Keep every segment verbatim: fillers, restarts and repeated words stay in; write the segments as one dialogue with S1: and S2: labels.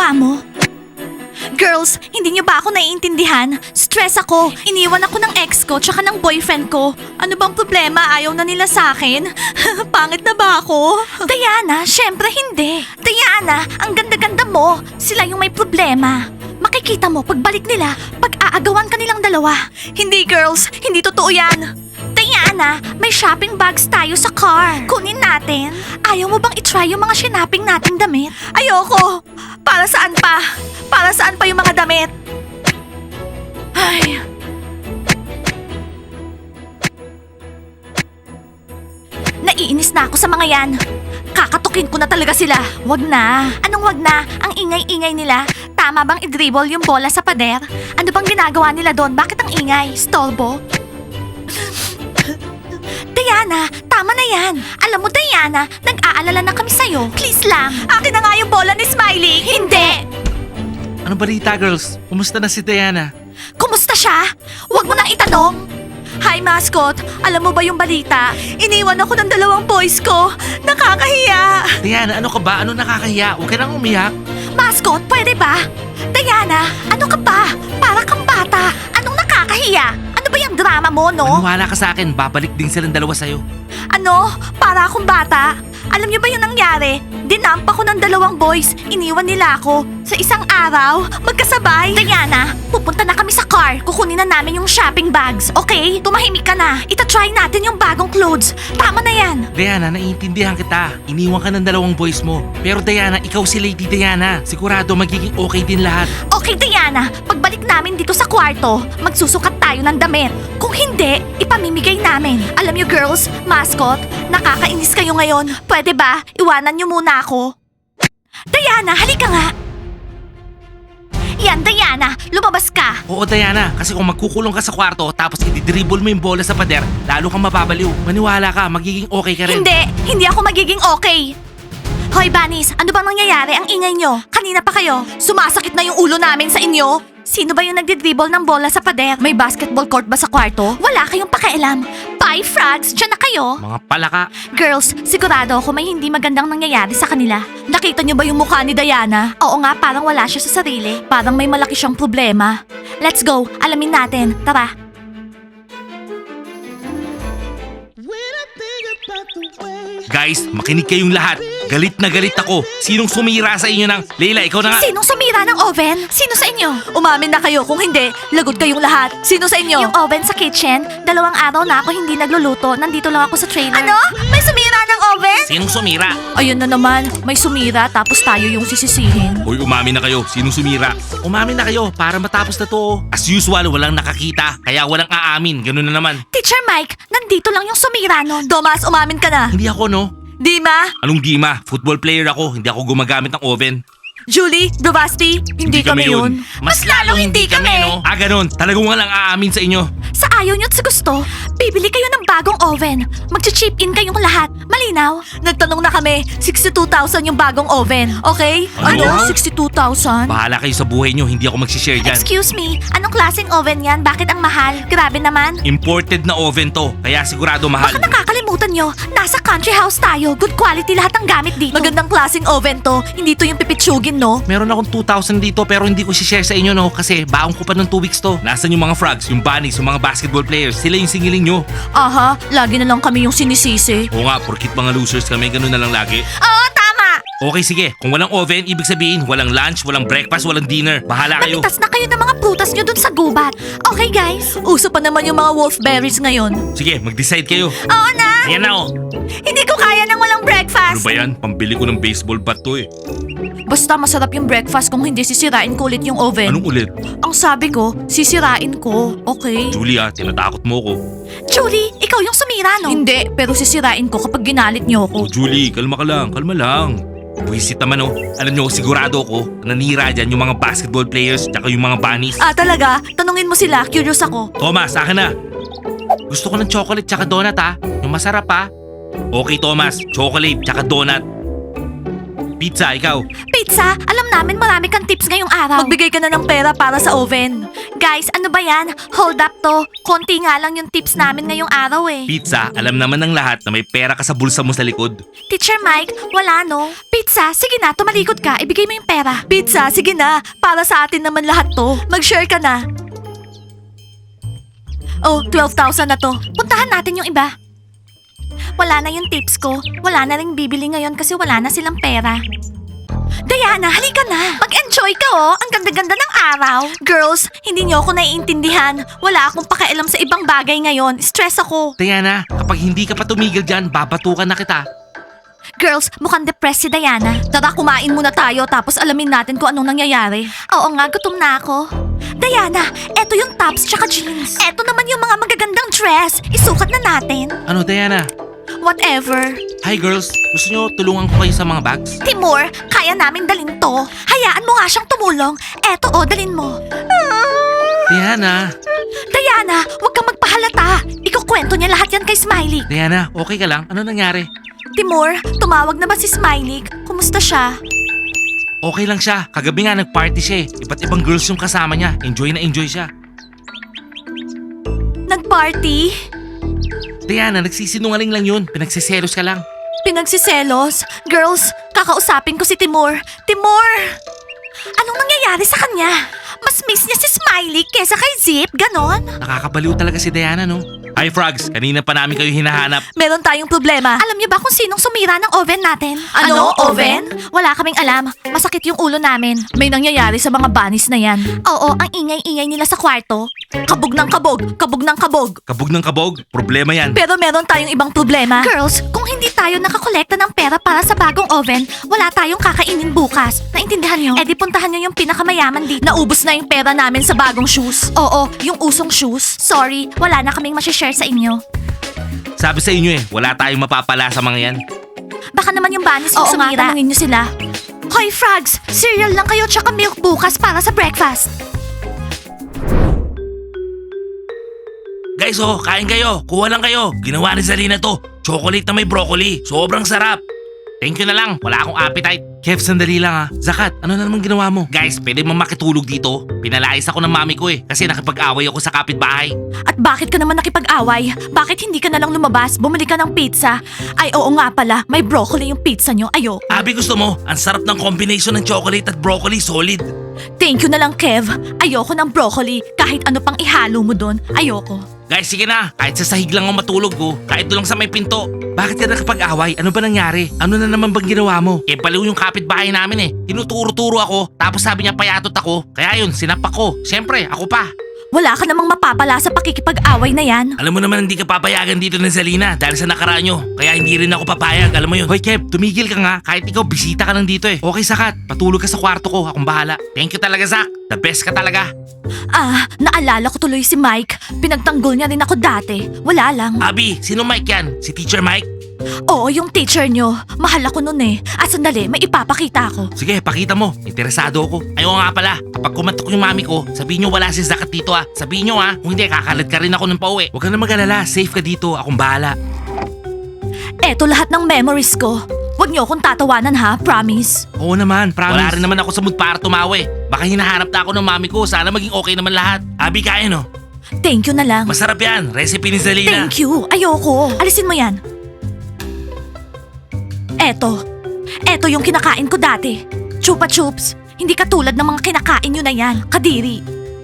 S1: mukha mo? Girls, hindi niyo ba ako naiintindihan? Stress ako. Iniwan ako ng ex ko tsaka ng boyfriend ko. Ano bang problema? Ayaw na nila sa akin? Pangit na ba ako? Diana, syempre hindi. Diana, ang ganda-ganda mo. Sila yung may problema. Makikita mo pagbalik nila, pag-aagawan ka nilang dalawa. Hindi girls, hindi totoo yan. Diana, may shopping bags tayo sa car. Kunin natin. Ayaw mo bang itry yung mga shinaping nating damit? Ayoko. Para saan pa? Para saan pa yung mga damit? Ay. Naiinis na ako sa mga yan. Kakatukin ko na talaga sila. Wag na. Anong wag na? Ang ingay-ingay nila. Tama bang i-dribble yung bola sa pader? Ano bang ginagawa nila doon? Bakit ang ingay? Stolbo? Diana, tama na yan. Alam mo, Diana, nag-aalala na kami sa'yo. Please lang. Akin na nga yung bola ni Smiley. Hindi.
S2: Ano balita, girls? Kumusta na si Diana?
S1: Kumusta siya? Huwag mo nang itanong. Hi, mascot. Alam mo ba yung balita? Iniwan ako ng dalawang boys ko. Nakakahiya.
S2: Diana, ano ka ba? Ano nakakahiya? Huwag ka nang umiyak.
S1: Mascot, pwede ba? Diana, ano ka ba? Para kang bata. Anong nakakahiya? Ano ba yung drama mo, no?
S2: Maniwala ka sa akin, babalik din silang dalawa sa'yo.
S1: Ano? Para akong bata? Alam niyo ba yung nangyari? Dinamp ako ng dalawang boys. Iniwan nila ako. Sa isang araw, magkasabay. Diana, pupunta na kami sa car. Kukunin na namin yung shopping bags. Okay? Tumahimik ka na. Ita-try natin yung bagong clothes. Tama na yan.
S2: Diana, naiintindihan kita. Iniwan ka ng dalawang boys mo. Pero Diana, ikaw si Lady Diana. Sigurado magiging okay din lahat.
S1: Okay, Diana. Pagbalik namin dito sa kwarto, magsusukat tayo ng damit. Kung hindi, ipamimigay namin. Alam niyo, girls, mascot, nakakainis kayo ngayon. Pwede ba? Iwanan niyo muna ako. Diana, halika nga. Yan, Diana, lumabas ka.
S2: Oo, Diana, kasi kung magkukulong ka sa kwarto tapos i-dribble mo yung bola sa pader, lalo kang mababaliw. Maniwala ka, magiging okay ka rin.
S1: Hindi, hindi ako magiging okay. Hoy, Bunnies, ano bang nangyayari? Ang ingay nyo. Kanina pa kayo. Sumasakit na yung ulo namin sa inyo. Sino ba yung nagdi-dribble ng bola sa pader? May basketball court ba sa kwarto? Wala kayong pakialam. Bye, frogs. Diyan na kayo.
S2: Mga palaka.
S1: Girls, sigurado ako may hindi magandang nangyayari sa kanila. Nakita niyo ba yung mukha ni Diana? Oo nga, parang wala siya sa sarili. Parang may malaki siyang problema. Let's go. Alamin natin. Tara.
S2: Guys, makinig kayong lahat. Galit na galit ako. Sinong sumira sa inyo ng... Leila, ikaw na nga.
S1: Sinong sumira ng oven? Sino sa inyo? Umamin na kayo. Kung hindi, lagot kayong lahat. Sino sa inyo? Yung oven sa kitchen. Dalawang araw na ako hindi nagluluto. Nandito lang ako sa trailer. Ano? May sumira ng oven?
S2: Sinong sumira?
S1: Ayun na naman. May sumira tapos tayo yung sisisihin.
S2: Hoy, umamin na kayo. Sinong sumira? Umamin na kayo para matapos na to. As usual, walang nakakita. Kaya walang aamin. Ganun na naman.
S1: Teacher Mike, nandito lang yung sumira nun. Thomas, umamin ka na.
S2: Hindi ako, no?
S1: Dima?
S2: Anong di ma? Football player ako. Hindi ako gumagamit ng oven.
S1: Julie? Bravasti? Hindi, kami yun. Mas lalong hindi kami.
S2: no? Ah, ganun. Talagang walang aamin sa inyo.
S1: Sa ayaw nyo at sa gusto, bibili kayo ng bagong oven. Mag-chip in kayong lahat. Malinaw? Nagtanong na kami, sixty-two thousand yung bagong oven. Okay?
S2: Ano?
S1: sixty-two thousand?
S2: Bahala kayo sa buhay nyo. Hindi ako magsishare dyan.
S1: Excuse me, anong klaseng oven yan? Bakit ang mahal? Grabe naman.
S2: Imported na oven to. Kaya sigurado mahal.
S1: Baka nakakalimutan nyo, nasa country house tayo. Good quality lahat ng gamit dito. Magandang klaseng oven to. Hindi to yung pipitsugin, no?
S2: Meron akong two thousand dito pero hindi ko share sa inyo, no? Kasi baong ko pa ng two weeks to. Nasaan yung mga frogs, yung bunnies, yung mga basketball players? Sila yung singiling nyo.
S1: Aha, lagi na lang kami yung sinisisi.
S2: Oo nga, porkit mga losers kami, ganun na lang lagi.
S1: Oo, tama!
S2: Okay, sige. Kung walang oven, ibig sabihin, walang lunch, walang breakfast, walang dinner. Bahala kayo.
S1: Namitas na kayo ng mga prutas nyo dun sa gubat. Okay, guys? Uso pa naman yung mga wolfberries ngayon.
S2: Sige, mag-decide kayo.
S1: Oo na!
S2: Ayan na, oh.
S1: Hindi ko kaya ng walang
S2: Ano
S1: breakfast.
S2: ba yan? Pambili ko ng baseball bat to, eh.
S1: Basta masarap yung breakfast kung hindi sisirain ko ulit yung oven.
S2: Anong ulit?
S1: Ang sabi ko, sisirain ko. Okay?
S2: Julia, tinatakot mo ko.
S1: Julie, ikaw yung sumira, no? Hindi, pero sisirain ko kapag ginalit niyo
S2: Oh,
S1: ako.
S2: Julie, kalma ka lang, kalma lang. Buwisit naman, oh. Alam nyo, sigurado ko, nanira dyan yung mga basketball players tsaka yung mga bunnies.
S1: Ah, talaga? Tanungin mo sila, curious ako.
S2: Thomas, sa akin na. Gusto ko ng chocolate tsaka donut, ha? Yung masarap, ha? Okay, Thomas. Chocolate tsaka donut. Pizza, ikaw.
S1: Pizza, alam namin marami kang tips ngayong araw. Magbigay ka na ng pera para sa oven. Guys, ano ba yan? Hold up to. Konti nga lang yung tips namin ngayong araw eh.
S2: Pizza, alam naman ng lahat na may pera ka sa bulsa mo sa likod.
S1: Teacher Mike, wala no? Pizza, sige na, tumalikod ka. Ibigay mo yung pera. Pizza, sige na. Para sa atin naman lahat to. Mag-share ka na. Oh, twelve thousand na to. Puntahan natin yung iba. Wala na yung tips ko. Wala na ring bibili ngayon kasi wala na silang pera. Diana, halika na. Mag-enjoy ka oh. Ang ganda-ganda ng araw. Girls, hindi niyo ako naiintindihan. Wala akong pakialam sa ibang bagay ngayon. Stress ako.
S2: Diana, kapag hindi ka pa tumigil dyan, babatukan na kita.
S1: Girls, mukhang depressed si Diana. Tara, kumain muna tayo tapos alamin natin kung anong nangyayari. Oo nga, gutom na ako. Diana, eto yung tops tsaka jeans. Eto naman yung mga magagandang dress. Isukat na natin.
S2: Ano, Diana?
S1: Whatever.
S2: Hi girls, gusto nyo tulungan ko kayo sa mga bags?
S1: Timur, kaya namin dalhin to. Hayaan mo nga siyang tumulong. Eto o, dalhin mo.
S2: Diana,
S1: Diana, huwag kang magpahalata. Ikukwento niya lahat yan kay Smiley.
S2: Diana, okay ka lang? Ano nangyari?
S1: Timur, tumawag na ba si Smiley? Kumusta siya?
S2: Okay lang siya. Kagabi nga nag-party siya eh. Iba't ibang girls yung kasama niya. Enjoy na enjoy siya.
S1: Nag-party?
S2: Diana, nagsisinungaling lang yun. Pinagsiselos ka lang.
S1: Pinagsiselos? Girls, kakausapin ko si Timur. Timur! Anong nangyayari sa kanya? Mas miss niya si Smiley kesa kay Zip, ganon?
S2: Nakakabaliw talaga si Diana, no? Hi, Frogs. Kanina pa namin kayo hinahanap.
S1: Meron tayong problema. Alam niyo ba kung sinong sumira ng oven natin?
S3: Ano, oven?
S1: Wala kaming alam. Masakit yung ulo namin. May nangyayari sa mga bunnies na yan. Oo, ang ingay-ingay nila sa kwarto. Kabog ng kabog, kabog ng kabog.
S2: Kabog ng kabog. Problema yan.
S1: Pero meron tayong ibang problema. Girls, kung hindi tayo nakakolekta ng pera para sa bagong oven, wala tayong kakainin bukas. Naintindihan nyo? Eh di puntahan nyo yung pinakamayaman dito. Naubos na yung pera namin sa bagong shoes. Oo, yung usong shoes. Sorry, wala na kaming masishare sa inyo.
S2: Sabi sa inyo eh, wala tayong mapapala sa mga yan.
S1: Baka naman yung bunnies yung
S3: Oo nga,
S1: sumira. Tanungin nyo sila. Hoy frogs, cereal lang kayo tsaka milk bukas para sa breakfast.
S2: Guys, oh, kain kayo. Kuha lang kayo. Ginawa ni Zalina to. Chocolate na may broccoli. Sobrang sarap. Thank you na lang. Wala akong appetite. Kev, sandali lang ah. Zakat, ano na naman ginawa mo? Guys, pwede mo makitulog dito? Pinalayas ako ng mami ko eh. Kasi nakipag-away ako sa kapitbahay.
S1: At bakit ka naman nakipag-away? Bakit hindi ka na lang lumabas? Bumili ka ng pizza? Ay oo nga pala, may broccoli yung pizza nyo. Ayo.
S2: Abi, gusto mo? Ang sarap ng combination ng chocolate at broccoli. Solid.
S1: Thank you na lang Kev. Ayoko ng broccoli. Kahit ano pang ihalo mo doon, ayoko.
S2: Guys, sige na. Kahit sa sahig lang ako matulog ko. Kahit doon lang sa may pinto. Bakit ka nakapag-away? Ano ba nangyari? Ano na naman bang ginawa mo? Eh, baliw yung kapitbahay namin eh. Tinuturo-turo ako. Tapos sabi niya payatot ako. Kaya yun, sinapak ko. Siyempre, ako pa.
S1: Wala ka namang mapapala sa pakikipag-away na yan.
S2: Alam mo naman hindi ka papayagan dito ng Zalina dahil sa nakaraan nyo. Kaya hindi rin ako papayag, alam mo yun. Hoy Kev, tumigil ka nga. Kahit ikaw, bisita ka lang dito eh. Okay, Sakat. Patulog ka sa kwarto ko. Akong bahala. Thank you talaga, Zach. The best ka talaga.
S1: Ah, naalala ko tuloy si Mike. Pinagtanggol niya rin ako dati. Wala lang.
S2: Abi, sino Mike yan? Si Teacher Mike?
S1: Oo, yung teacher nyo. Mahal ako nun eh. Ah, sandali, may ipapakita ako.
S2: Sige, pakita mo. Interesado ako. Ayaw nga pala. Kapag kumatok yung mami ko, sabihin nyo wala si Zakat dito ah. Sabihin nyo ah. Kung hindi, kakalat ka rin ako ng pauwi. Huwag ka na mag-alala. Safe ka dito. Akong bahala.
S1: Eto lahat ng memories ko. Huwag niyo akong tatawanan ha, promise.
S2: Oo naman, promise. Wala rin naman ako sa mood para tumawi. Baka hinahanap na ako ng mami ko. Sana maging okay naman lahat. Abi, kaya no?
S1: Thank you na lang.
S2: Masarap yan. Recipe ni Zalina.
S1: Thank you. Ayoko. Alisin mo yan. Eto. Eto yung kinakain ko dati. Chupa Chups. Hindi katulad ng mga kinakain nyo na yan. Kadiri.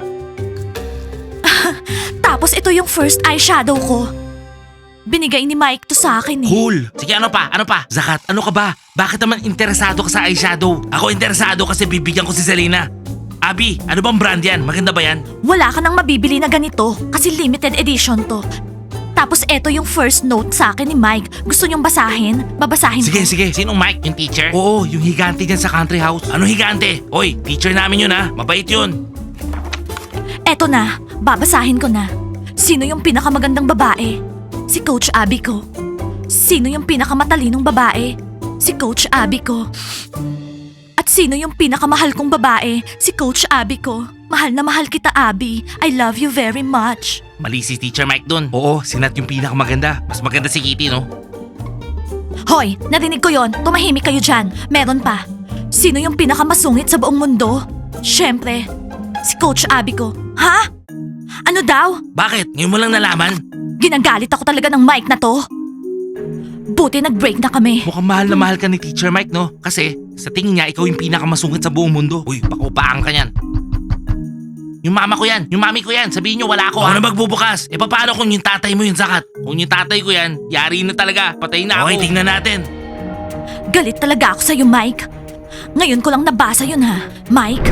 S1: Tapos ito yung first eyeshadow ko. Binigay ni Mike to sa akin eh.
S2: Cool. Sige, ano pa? Ano pa? Zakat, ano ka ba? Bakit naman interesado ka sa eyeshadow? Ako interesado kasi bibigyan ko si Zalina. Abi, ano bang brand yan? Maganda ba yan?
S1: Wala ka nang mabibili na ganito kasi limited edition to. Tapos eto yung first note sa akin ni Mike. Gusto niyong basahin? Babasahin
S2: Sige,
S1: ko.
S2: sige. Sinong Mike? Yung teacher? Oo, yung higante dyan sa country house. Ano higante? Oy, teacher namin yun ha. Mabait yun.
S1: Eto na, babasahin ko na. Sino yung pinakamagandang babae? Si Coach Abby ko. Sino yung pinakamatalinong babae? Si Coach Abby ko. At sino yung pinakamahal kong babae? Si Coach Abby ko. Mahal na mahal kita, Abby. I love you very much.
S2: Mali si teacher Mike dun. Oo, si Nat yung pinakamaganda. Mas maganda si Kitty, no?
S1: Hoy, narinig ko yon. Tumahimik kayo dyan. Meron pa. Sino yung pinakamasungit sa buong mundo? Siyempre, si Coach Abby ko. Ha? Ano daw?
S2: Bakit? Ngayon mo lang nalaman?
S1: Ginagalit ako talaga ng mic na to. Buti nag-break na kami.
S2: Mukhang mahal na mahal ka ni Teacher Mike, no? Kasi sa tingin niya, ikaw yung pinakamasungit sa buong mundo. Uy, pakupaan ka yan. Yung mama ko yan, yung mami ko yan. Sabihin nyo, wala ako. Ako na magbubukas. E paano kung yung tatay mo yung Zakat? Kung yung tatay ko yan, yari na talaga. Patay na ako. Okay, tingnan natin.
S1: Galit talaga ako sa'yo, Mike. Ngayon ko lang nabasa yun, ha? Mike?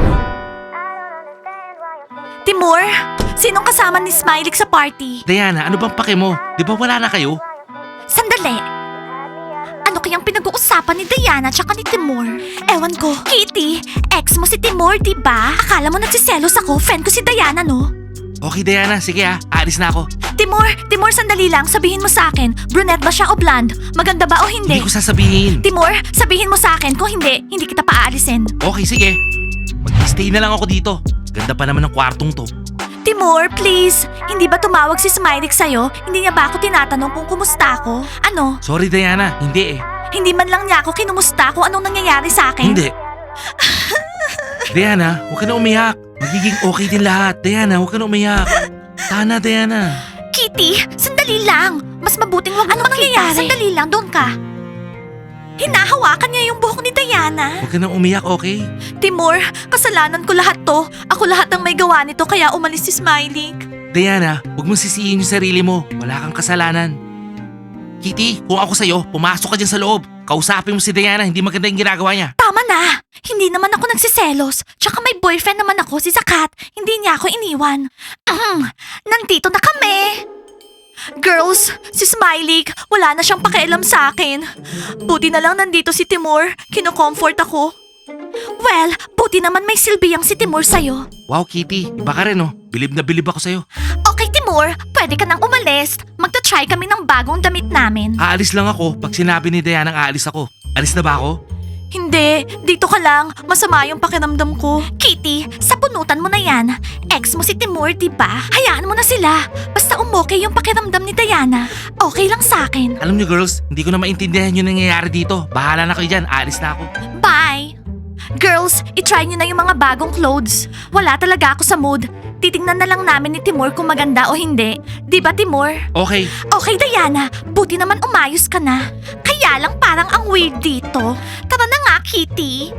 S1: Timur, sinong kasama ni Smiley sa party?
S2: Diana, ano bang pake mo? Di ba wala na kayo?
S1: Sandali. Ano kayang pinag-uusapan ni Diana tsaka ni Timur? Ewan ko. Kitty, ex mo si Timur, di ba? Akala mo nagsiselos ako, friend ko si Diana, no?
S2: Okay, Diana. Sige ha, aalis na ako.
S1: Timur, Timur, sandali lang. Sabihin mo sa akin, brunette ba siya o blonde? Maganda ba o hindi?
S2: Hindi ko sasabihin.
S1: Timur, sabihin mo sa akin. Kung hindi, hindi kita paaalisin.
S2: Okay, sige. Mag-stay na lang ako dito. Ganda pa naman ng kwartong to.
S1: Timur, please. Hindi ba tumawag si Smiley sa'yo? Hindi niya ba ako tinatanong kung kumusta ako? Ano?
S2: Sorry, Diana. Hindi eh.
S1: Hindi man lang niya ako kinumusta kung anong nangyayari sa akin?
S2: Hindi. Diana, huwag ka na umiyak. Magiging okay din lahat. Diana, huwag ka na umiyak. Tana, Diana.
S1: Kitty, sandali lang. Mas mabuting wag mo nangyayari. Sandali lang, doon ka. Hinahawakan niya yung buhok ni Diana.
S2: Huwag ka na umiyak, okay?
S1: Timur, kasalanan ko lahat to. Ako lahat ang may gawa nito kaya umalis si Smiley.
S2: Diana, huwag mong sisihin yung sarili mo. Wala kang kasalanan. Kitty, kung ako sa'yo, pumasok ka dyan sa loob. Kausapin mo si Diana, hindi maganda yung ginagawa niya.
S1: Tama na! Hindi naman ako nagsiselos. Tsaka may boyfriend naman ako, si Zakat. Hindi niya ako iniwan. Ahem, nandito na kami! Girls, si Smiley, wala na siyang pakialam sa akin. Buti na lang nandito si Timur. Kino-comfort ako. Well, buti naman may silbiyang si Timur sa'yo.
S2: Wow, Kitty, iba ka rin oh. Bilib na bilib ako sa'yo.
S1: Okay, Timur, pwede ka nang umalis. Magta-try kami ng bagong damit namin.
S2: Aalis lang ako pag sinabi ni Diana ang aalis ako. Alis na ba ako?
S1: Hindi, dito ka lang. Masama yung pakiramdam ko. Kitty, sabunutan mo na yan. Ex mo si Timur, di ba? Hayaan mo na sila. Basta umokay yung pakiramdam ni Diana. Okay lang sa akin.
S2: Alam niyo girls, hindi ko na maintindihan yung nangyayari dito. Bahala na kayo dyan, aalis na ako.
S1: Bye! Girls, itry nyo na yung mga bagong clothes. Wala talaga ako sa mood. Titingnan na lang namin ni Timur kung maganda o hindi. Di ba, Timur?
S2: Okay,
S1: Okay, Diana. Buti naman umayos ka na. Kaya lang parang ang weird dito. Tara na nga, Kitty.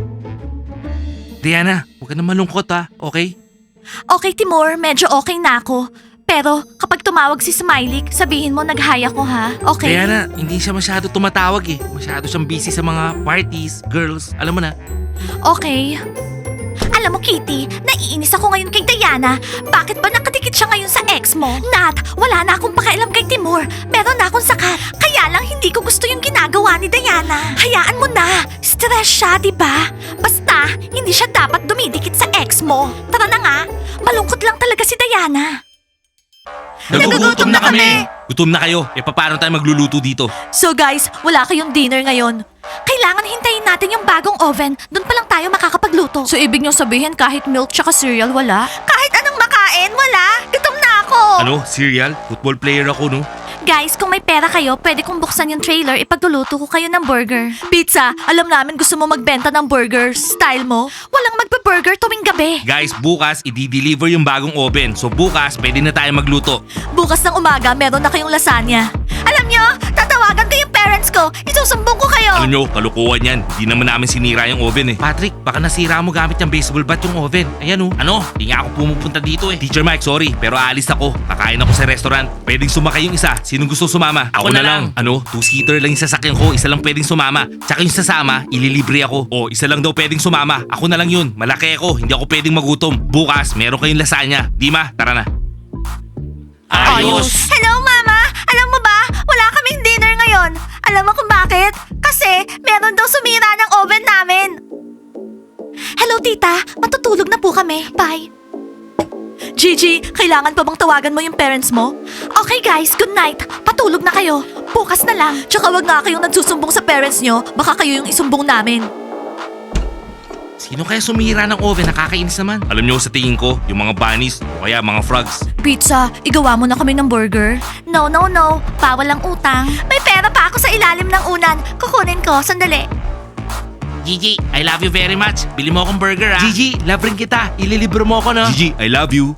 S2: Diana, huwag ka na malungkot ha, okay?
S1: Okay, Timur. Medyo okay na ako. Pero kapag tumawag si Smiley, sabihin mo nag-hi ako, ha? Okay?
S2: Diana, hindi siya masyado tumatawag eh. Masyado siyang busy sa mga parties, girls, alam mo na.
S1: Okay. Alam mo, Kitty, naiinis ako ngayon kay Diana. Bakit ba nakadikit siya ngayon sa ex mo? Nat, wala na akong pakialam kay Timur. Meron na akong Zakat. Kaya lang hindi ko gusto yung ginagawa ni Diana. Hayaan mo na. Stress siya, di ba? Basta, hindi siya dapat dumidikit sa ex mo. Tara na nga. Malungkot lang talaga si Diana.
S2: Nagugutom na kami! Gutom na kayo, e paano tayo magluluto dito?
S1: So guys, wala kayong dinner ngayon. Kailangan hintayin natin yung bagong oven. Doon pa lang tayo makakapagluto. So ibig nyo sabihin kahit milk tsaka cereal wala? Kahit anong makain, wala. Gutom na ako.
S2: Ano, cereal? Football player ako no?
S1: Guys, kung may pera kayo, pwede kong buksan yung trailer, ipagluluto ko kayo ng burger. Pizza, alam namin gusto mo magbenta ng burgers. Style mo, walang magbe-burger tuwing gabi.
S2: Guys, bukas i-deliver yung bagong oven. So bukas, pwede na tayo magluto.
S1: Bukas ng umaga, meron na kayong lasagna. Alam nyo, tatawagan ko yung parents ko. Isusumbong ko kayo.
S2: Alam nyo, kalukuhan yan. Hindi naman namin sinira yung oven eh. Patrick, baka nasira mo gamit yung baseball bat yung oven. Ayan oh. Ano? Hindi nga ako pumupunta dito eh. Teacher Mike, sorry. Pero aalis ako. Kakain ako sa restaurant. Pwedeng sumakay yung isa. Sinong gusto sumama? Ako, na, lang. Ano? Two-seater lang yung sasakyan ko. Isa lang pwedeng sumama. Tsaka yung sasama, ililibre ako. O, isa lang daw pwedeng sumama. Ako na lang yun. Malaki ako. Hindi ako pwedeng magutom. Bukas, meron kayong lasagna. Dima, tara na. Ayos!
S1: Hello, Mama! Alam mo ba, wala kaming dinner ngayon. Alam mo kung bakit? Kasi meron daw sumira ng oven namin. Hello, Tita. Matutulog na po kami. Bye. Gigi, kailangan pa bang tawagan mo yung parents mo? Okay guys, good night. Patulog na kayo. Bukas na lang. Tsaka wag nga kayong nagsusumbong sa parents nyo. Baka kayo yung isumbong namin.
S2: Sino kaya sumira ng oven? Nakakainis naman. Alam nyo, sa tingin ko, yung mga bunnies o kaya mga frogs.
S1: Pizza, igawa mo na kami ng burger. No, no, no. Bawal ang utang. May pera pa ako sa ilalim ng unan. Kukunin ko. Sandali.
S2: Gigi, I love you very much. Bili mo akong burger, ha? Gigi, love rin kita. Ililibro mo ako, no? Gigi, I love you.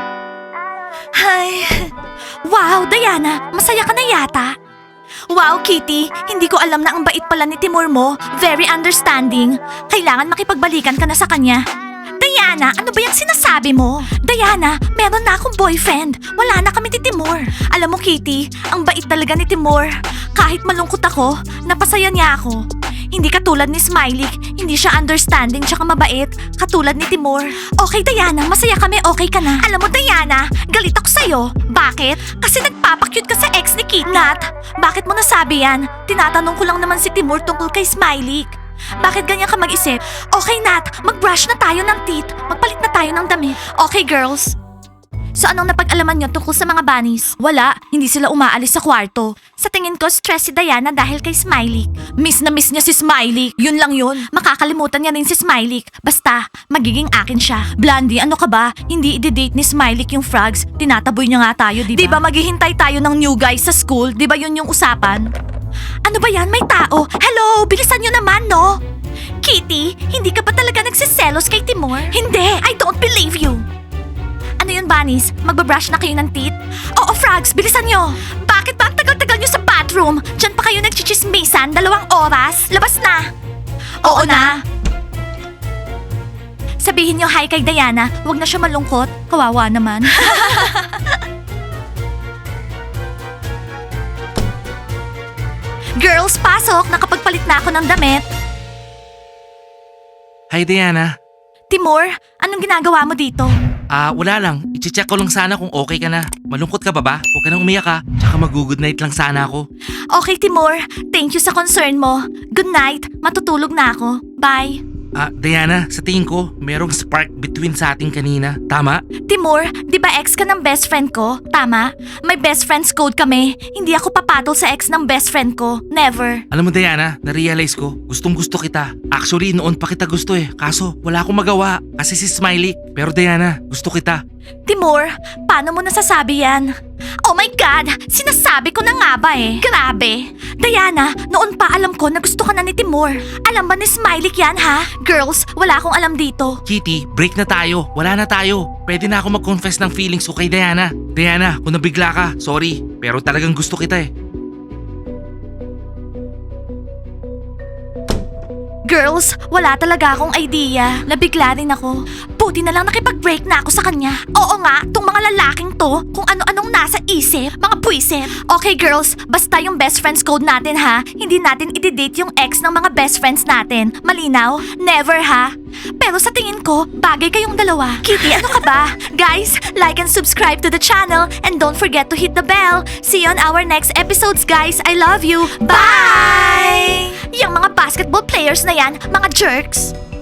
S1: Ay. Wow, Diana. Masaya ka na yata. Wow, Kitty. Hindi ko alam na ang bait pala ni Timur mo. Very understanding. Kailangan makipagbalikan ka na sa kanya. Diana, ano ba yung sinasabi mo? Diana, meron na akong boyfriend. Wala na kami ni Timur. Alam mo, Kitty, ang bait talaga ni Timur. Kahit malungkot ako, napasaya niya ako. Hindi katulad ni Smiley, hindi siya understanding tsaka mabait, katulad ni Timur. Okay, Diana, masaya kami, okay ka na. Alam mo, Diana, galit ako sa'yo. Bakit? Kasi nagpapakyut ka sa ex ni Kit. Nat, bakit mo nasabi yan? Tinatanong ko lang naman si Timur tungkol kay Smiley. Bakit ganyan ka mag-isip? Okay, Nat, mag-brush na tayo ng teeth. Magpalit na tayo ng damit. Okay, girls. So anong napag-alaman niyo tungkol sa mga bunnies? Wala, hindi sila umaalis sa kwarto. Sa tingin ko, stress si Diana dahil kay Smiley. Miss na miss niya si Smiley. Yun lang yun. Makakalimutan niya rin si Smiley. Basta, magiging akin siya. Blondie, ano ka ba? Hindi i-date ni Smiley yung frogs. Tinataboy niya nga tayo, di ba? Di ba maghihintay tayo ng new guys sa school? Di ba yun yung usapan? Ano ba yan? May tao? Hello, bilisan niyo naman, no? Kitty, hindi ka ba talaga nagsiselos kay Timur? Hindi, I don't believe you. Ano yun, bunnies? Magbabrush na kayo ng teeth? Oo, frogs, bilisan nyo! Bakit ba ang tagal-tagal nyo sa bathroom? Diyan pa kayo nagchichismisan, dalawang oras? Labas na! Oo, na! Sabihin nyo hi kay Diana, huwag na siya malungkot. Kawawa naman. Girls, pasok! Nakapagpalit na ako ng damit.
S2: Hi, Diana.
S1: Timur, anong ginagawa mo dito?
S2: Ah, wala lang. I-check ko lang sana kung okay ka na. Malungkot ka ba ba? Huwag ka nang umiyak, ha? Tsaka mag-good night lang sana ako.
S1: Okay, Timur. Thank you sa concern mo. Good night. Matutulog na ako. Bye.
S2: Ah, Diana, sa tingin ko, merong spark between sa ating kanina. Tama?
S1: Timur, di ba ex ka ng best friend ko? Tama? May best friends code kami. Hindi ako papatol sa ex ng best friend ko. Never.
S2: Alam mo, Diana, na-realize ko, gustong gusto kita. Actually, noon pa kita gusto eh. Kaso, wala akong magawa. Kasi si Smiley. Pero Diana, gusto kita.
S1: Timur, paano mo nasasabi yan? Oh my God! Sinasabi ko na nga ba eh. Grabe. Diana, noon pa alam ko na gusto ka na ni Timur. Alam ba ni Smiley yan ha? Girls, wala akong alam dito.
S2: Kitty, break na tayo. Wala na tayo. Pwede na ako mag-confess ng feelings ko kay Diana. Diana, kung nabigla ka, sorry. Pero talagang gusto kita eh.
S1: Girls, wala talaga akong idea. Nabigla rin ako. Buti na lang nakipag-break na ako sa kanya. Oo nga, tong mga lalaking to, kung ano-anong nasa isip, mga puwisit. Okay girls, basta yung best friends code natin ha. Hindi natin i-date yung ex ng mga best friends natin. Malinaw? Never ha? Pero sa tingin ko, bagay kayong dalawa. Kitty, ano ka ba? Guys, like and subscribe to the channel and don't forget to hit the bell. See you on our next episodes, guys. I love you. Bye! Yung mga basketball players na yan, mga jerks.